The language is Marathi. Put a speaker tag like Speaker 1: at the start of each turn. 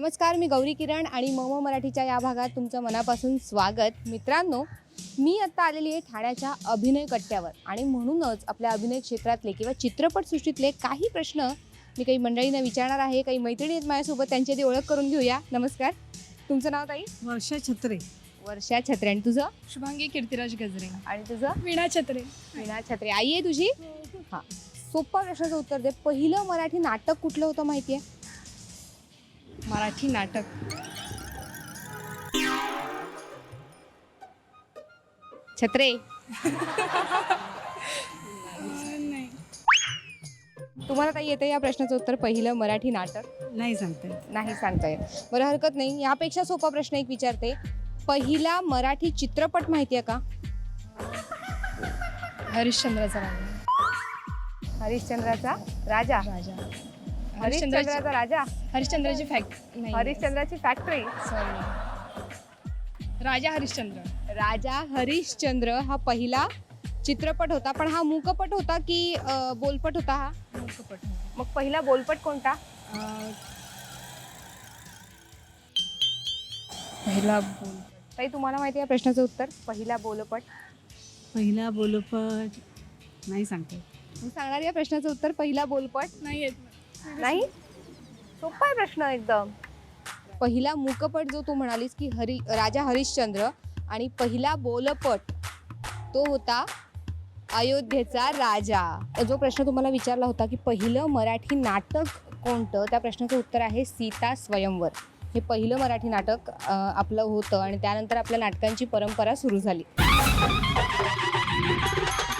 Speaker 1: नमस्कार, मी गौरी किरण आणि मम मराठीच्या या भागात तुमचं मनापासून स्वागत. मित्रांनो, मी आत्ता आलेली आहे ठाण्याच्या अभिनय कट्ट्यावर आणि म्हणूनच आपल्या अभिनय क्षेत्रातले किंवा चित्रपटसृष्टीतले काही प्रश्न मी काही मंडळींना विचारणार आहे. काही मैत्रिणी आहेत माझ्यासोबत, त्यांची आधी ओळख करून घेऊया. नमस्कार, तुमचं नाव ताई?
Speaker 2: वर्षा छत्रे.
Speaker 1: वर्षा छत्रे. आणि तुझं?
Speaker 3: शुभांगी कीर्तिराज गजरे.
Speaker 1: आणि तुझं?
Speaker 3: वीणा छत्रे.
Speaker 1: वीणा छत्रे. आई आहे तुझी? हां. सोपा प्रश्नाचं उत्तर दे. पहिलं मराठी नाटक कुठलं होतं माहिती आहे?
Speaker 3: मराठी नाटक
Speaker 1: छत्रे.
Speaker 3: नाही.
Speaker 1: तुम्हाला काही येतं या प्रश्नाचं उत्तर? पहिलं मराठी नाटक
Speaker 2: नाही सांगते.
Speaker 1: नाही सांगता येत. बरं, हरकत नाही. यापेक्षा सोपा प्रश्न एक विचारते. पहिला मराठी चित्रपट माहिती आहे का?
Speaker 3: हरिश्चंद्राचा राजा.
Speaker 1: हरिश्चंद्राचा राजा. हरिश्चंद्राचा राजा.
Speaker 3: हरिश्चंद्राची फॅक्ट
Speaker 1: हरिश्चंद्राची फॅक्टरी.
Speaker 3: सॉरी, राजा हरिश्चंद्र.
Speaker 1: राजा हरिश्चंद्र हा पहिला चित्रपट होता. पण हा मूकपट होता की बोलपट होता? हा
Speaker 3: मूकपट.
Speaker 1: मग पहिला बोलपट कोणता?
Speaker 3: पहिला बोल.
Speaker 1: ताई, तुम्हाला माहिती आहे प्रश्नाचं उत्तर? पहिला बोलपट.
Speaker 2: पहिला बोलपट नाही सांगते.
Speaker 1: मी सांगणार या प्रश्नाचं उत्तर. पहिला बोलपट
Speaker 3: नाही येत.
Speaker 1: नाही. सोपा आहे प्रश्न एकदम. पहिला मूकपट जो तू म्हणालीस की राजा हरिश्चंद्र, आणि पहिला बोलपट तो होता अयोध्येचा राजा. जो प्रश्न तुम्हाला विचारला होता की पहिलं मराठी नाटक कोणतं, त्या प्रश्नाचं उत्तर आहे सीता स्वयंवर. हे पहिलं मराठी नाटक आपलं होतं आणि त्यानंतर आपल्या नाटकांची परंपरा सुरू झाली.